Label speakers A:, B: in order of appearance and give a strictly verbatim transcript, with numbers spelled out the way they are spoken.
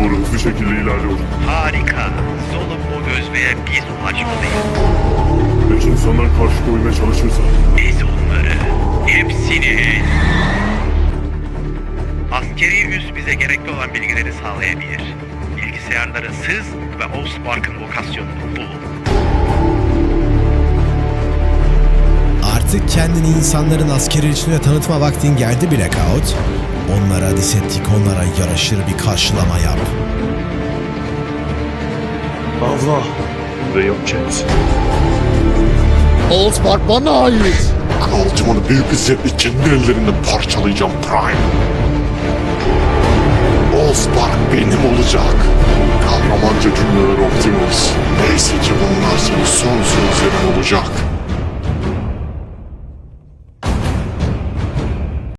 A: doğru hızlı şekilde ilerliyor.
B: Harika. Soluk bu özveye biz ulaşmalıyız.
A: Peki insanlar karşı koymaya çalışırsa?
B: Biz onları, hepsini... Askeri üs bize gerekli olan bilgileri sağlayabilir. Bilgisayarları sız ve Allspark'ın lokasyonunu bul.
C: Artık kendini insanların askeri içine tanıtma vaktin geldi Blackout. Onlara Decepticonlara yaraşır bir karşılama yap.
A: Avla. Burada yapacaksın.
D: Allspark bana ait.
A: Kıvılcımını büyük bir zevkle kendi ellerimle parçalayacağım Prime. Allspark benim olacak. Kahramanca cümleler Optimus. Neyse ki bunlar senin son sözlerin olacak.